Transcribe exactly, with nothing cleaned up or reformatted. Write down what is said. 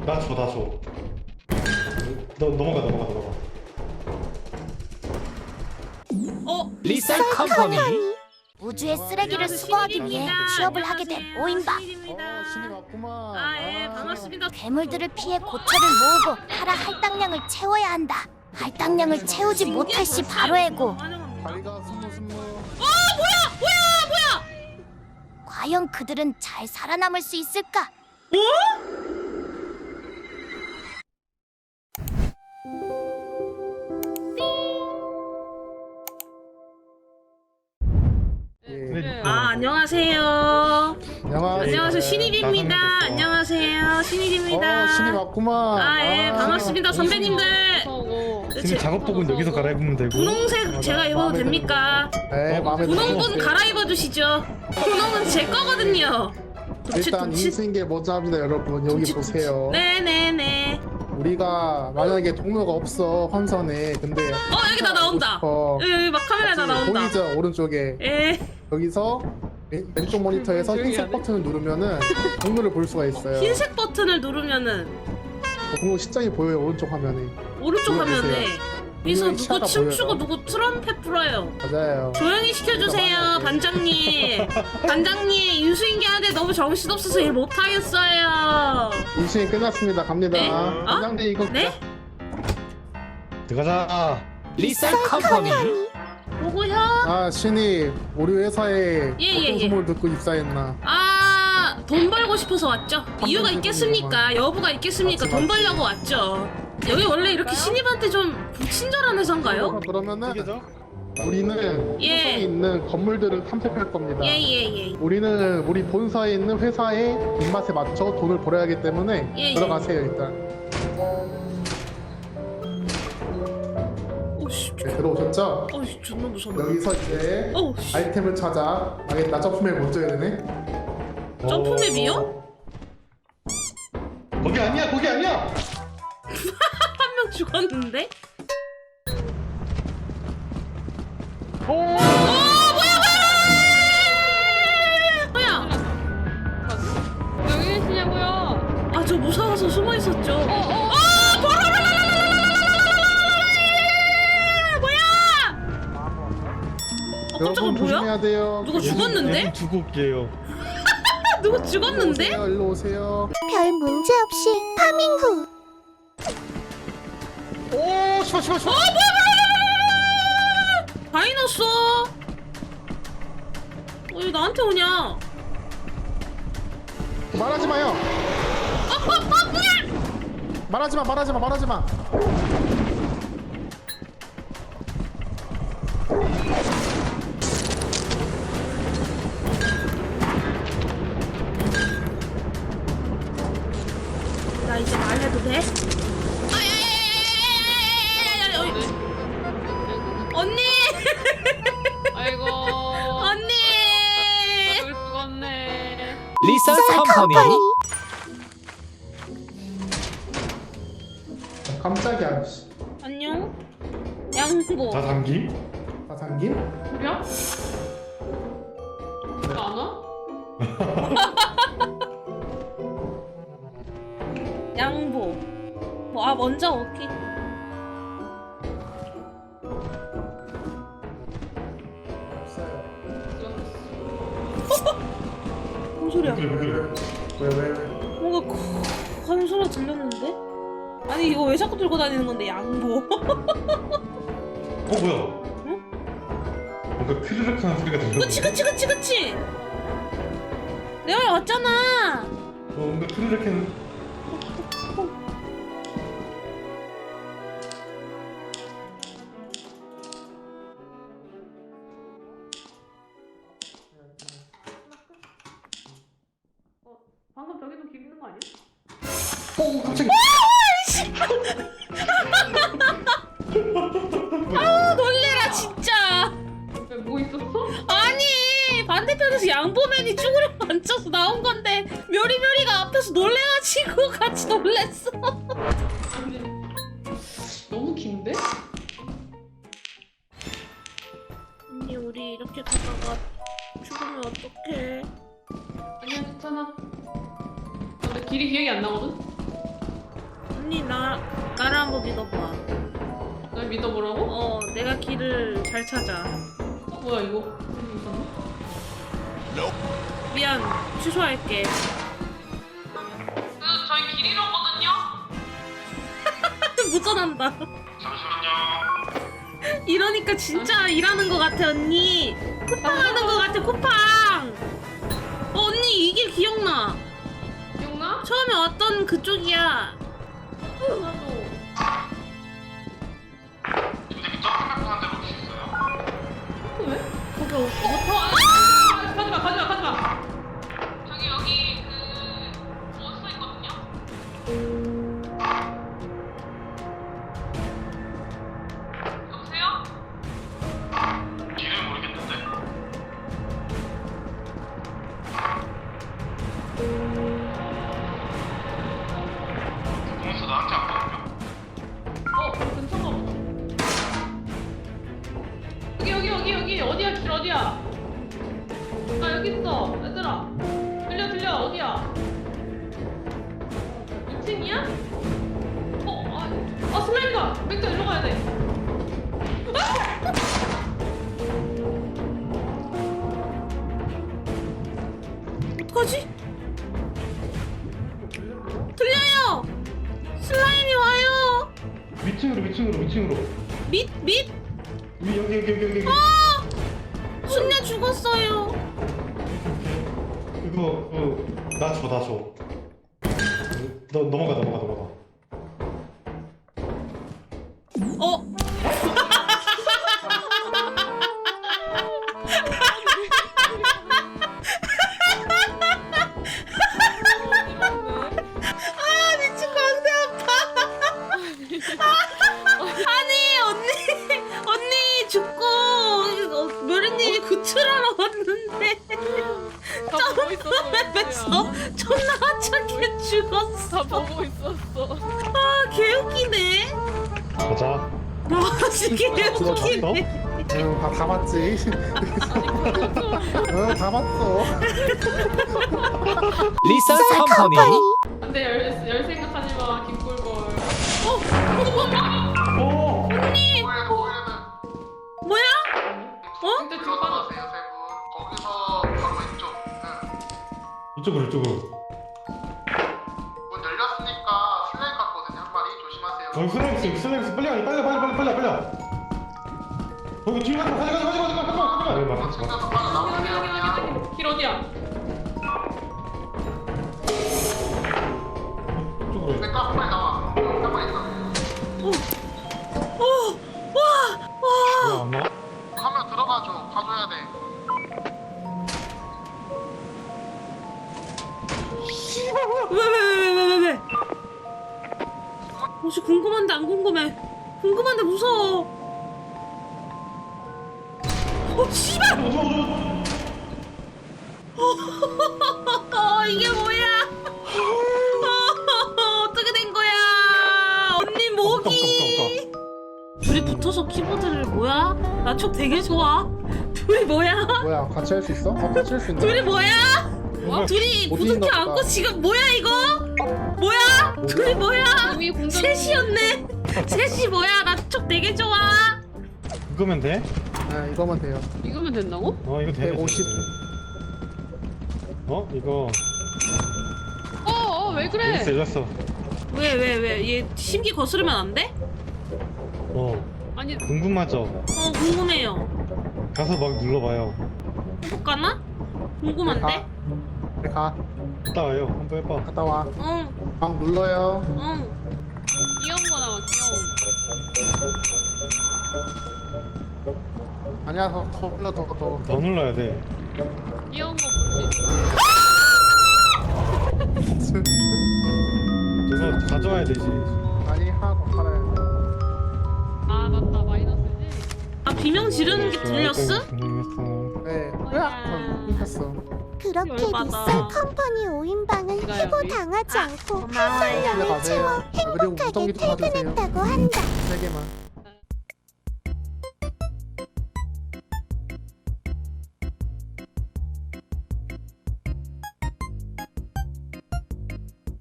나 줘, 나 줘. 너 넘어가, 넘어가, 넘어가. 어? 리셀 컴퍼니. 우주의 쓰레기를 안녕하세요, 수거하기 위해 신입입니다. 취업을 하게 된 안녕하세요, 오인박. 신입입니다. 어, 신이 왔구만. 아, 예, 아, 반갑습니다. 괴물들을 피해 고철을 모으고 하라 할당량을 채워야 한다. 할당량을 채우지 못할 시 바로 해고. 환영합니다. 다리가 스무 스무. 과연 그들은 잘 살아남을 수 있을까? 예. 아, 안녕하세요. 안녕하세요. 안녕하세요, 신입입니다. 나성민 됐어. 안녕하세요, 신입입니다. 어, 신이 왔구만. 아, 예, 반갑습니다, 선배님들. 지금 작업복은 여기서 갈아입으면 되고. 분홍색 제가 입어도 마음에 됩니까? 네, 마음에 분홍분 들어요. 갈아입어 주시죠. 분홍은 제 거거든요. 도치, 일단 도치. 인수인 게 먼저 합니다, 여러분. 여기 도치, 보세요. 네네네. 우리가 만약에 동료가 없어 환선에, 근데 어, 여기 다 나온다. 어, 여기, 여기 막 카메라 다 나온다. 보이죠 오른쪽에. 예. 여기서 왼- 왼쪽 모니터에서 흰색 버튼을 누르면은 동료를 볼 수가 있어요. 흰색 버튼을 누르면은 동료 시장이 보여요, 오른쪽 화면에. 오른쪽 이거 화면에 보세요. 여기서 분명히 누구 시야가 춤추고 보여요. 누구 트럼펫 불어요. 맞아요. 조용히 시켜주세요, 많아요. 반장님. 반장님, 인수인계하는데 너무 정신없어서 일 못하겠어요. 인수인 끝났습니다. 갑니다. 네? 어? 반장님 이거 네? 들어가자. 리셀 컴퍼니. 보고요. 아 신이 우리 회사에 예, 예, 어떤 예. 소문을 듣고 입사했나? 아, 돈 벌고 싶어서 왔죠. 이유가 있겠습니까? 여부가 있겠습니까? 맞지, 돈 맞지. 벌려고 왔죠. 여기 원래 이렇게 신입한테 좀 불친절한 회사인가요? 그러면은 이게죠? 우리는 예. 회사에 있는 건물들을 탐색할 겁니다. 예예예. 우리는 우리 본사에 있는 회사의 입맛에 맞춰 돈을 벌어야 하기 때문에 예, 예. 들어가세요 일단. 오씨, 네, 들어오셨죠? 어이 존나 무섭네. 여기서 이제 어우, 아이템을 찾아. 망했다. 점프맵 먼저 해야 되네. 점프맵이요? 어, 거기 아니야, 거기 아니야. 한 명 죽었는데? 오! 어, 뭐야? 여기 계시냐고요? 아, 저 무서워서 숨어 있었죠. 어, 어. 아, 뭐야? 어, 깜짝아, 여러분 뭐야? 조심해야 돼요. 누구 죽었는데? 얘는 두고 올게요. 아, 누구 죽었는데? 오세요, 일로 오세요. 별 문제 없이 파밍 후. 오, 씨발, 씨발, 씨발. 다이너스. 어, 왜 나한테 오냐? 말하지 마요. 말하지 마, 말하지 마, 말하지 마. 나 이제 말해도 돼? 아야야야야야야야야야야야 언니! 아이고. 언니! 여기 죽었네. 리셀 컴퍼니. 깜짝이야. 씨. 안녕? 양보. 자, 잠김. 다 잠김? 그래? 안 와? 양보. 뭐, 아, 먼저 오케이. 무슨 소리야? 왜 그래, 왜 그래. 왜 왜? 뭔가 콕 하는 소리가 들렸는데? 아니 이거 왜 자꾸 들고 다니는 건데 양보? 어, 뭐야? 응? 뭔가 크르륵 하는 소리가 들려. 그치 그치 그치 그치! 내 말 맞잖아! 어, 뭔가 크르륵 하는. 방금 저기도 길 있는 거 아니야? 오, 갑자기. 아 놀래라 진짜! 왜 뭐 있었어? 아니 반대편에서 양보맨이 쭈그려 앉아서 나온 건데 묘리묘리가 앞에서 놀래가지고 같이 놀랬어. 아니, 너무 긴데? 언니 우리 이렇게 가다가 죽으면 어떡해? 아니야, 괜찮아. 근데 길이 기억이 안 나거든? 언니 나 나를 한번 믿어봐. 날 믿어보라고? 어 내가 길을 잘 찾아. 어, 뭐야 이거? 여기 있었네? 미안 취소할게. 그 저희 길 잃었거든요? 무전한다. 이러니까 진짜 일하는 것 같아 언니. 쿠팡 하는 것 같아 쿠팡. 어, 언니 이 길 기억나. 기억나? 처음에 왔던 그쪽이야. 나도. 왜? 거기 어, 어, 아! 가지마 가지마 가지마. 저기 여기 그 버스 있거든요? 여보세요? 길을 모르겠는데. 동수 나한테 안 보여. 어, 근처가 보다. 여기 여기 여기 여기 어디야 길 어디야? 아 여기 있어 얘들아. 들려 들려 어디야? 이 층이야? 어, 아, 아 슬라임이다. 맥주 일로 가야 돼. 어떡하지? 들려요. 슬라임이 와요. 위층으로 위층으로 위층으로. 밑 밑. 위 여기 여기 여기 여기. 아 순녀 죽었어요. 이거 그나 줘, 나 줘. 너 넘어가 넘어가 넘어가. 어. 아 미친 광대 아파. 아니 언니 언니 죽고 어, 묘리님이 구출하러 왔는데 점프맵에서 존나 하찮게 죽었어. 다 보고 있었어. 아 개웃기네. 가자. 와 진짜 개웃기네. 응, 다, 다 봤지. 응, 다 봤어. 리셀 컴퍼니. 안돼 열, 열 생각하지 마 김꿀벌. 오. 언니 뭐야? 어? 진짜 뒤로 빠져. 거기서 바로 왼쪽. 응. 이쪽으로 이쪽으로. 문 열렸으니까 슬레임 같거든요. 한 마리 조심하세요. 저기 슬랙스 슬랙스 빨리 가 빨리 빨리 빨리 빨리 빨리. 거기 뒤에 가자 가자 가자 가자 가자 가자 가자. 여기 막 같이 가. 챙겨서 빨리 나오세요. 그냥. 길 어디야? 이쪽으로. 내가 한 마리 나와. 한 마리 있어. 와. 왜안 나와? 하면 들어가줘. 가줘야 돼. 왜 왜 왜 왜 왜 왜? 혹시 궁금한데 안 궁금해. 궁금한데 무서워. 어 씨발. 어 이게 뭐야? 어, 어떻게 된 거야? 언니 목이. 둘이 붙어서 키보드를 뭐야? 나 촉 되게 좋아. 둘이 뭐야? 뭐야, 같이 할 수 있어? 어, 같이 할 수 있네. 둘이 뭐야? 뭐야? 둘이 어디 부둥켜 있나 안고 보다. 지금 뭐야 이거? 뭐야? 둘이 뭐야? 이미 공격. 셋이었네. 셋이 뭐야? 나 촉 되게 좋아. 이거면 돼? 네, 이거면 돼요. 이거면 된다고? 어 이거 돼. 백오십. 어 이거. 어어 왜 그래? 열렸어 열렸어. 왜 왜 왜? 얘 심기 거스르면 안 돼? 어 아니 궁금하죠? 어 궁금해요. 가서 막 눌러봐요. 해볼까나? 궁금한데? 네, 가. 갔다 와요. 한번 해봐. 갔다 와. 응 막 눌러요. 응. 귀여운 거 나와 귀여운. 아니야, 더, 더 눌러, 더, 더. 더 눌러야 돼. 귀여운 거 볼 수 있어. 저거 가져와야 되지. 아니, 하나 더 팔아야 돼. 아 맞다 마이너스지. 아 비명 지르는 게 들렸어? 분명했어. 네. 으악! 끊겼어. 그렇게 열받아. 리셀 컴퍼니 오 인방은 이거요, 해고 우리? 당하지 않고 고마워요. 활동량을 집에 가세요. 채워 아, 그리고 행복하게 무전기도 받으세요. 퇴근했다고 한다. 세 개만.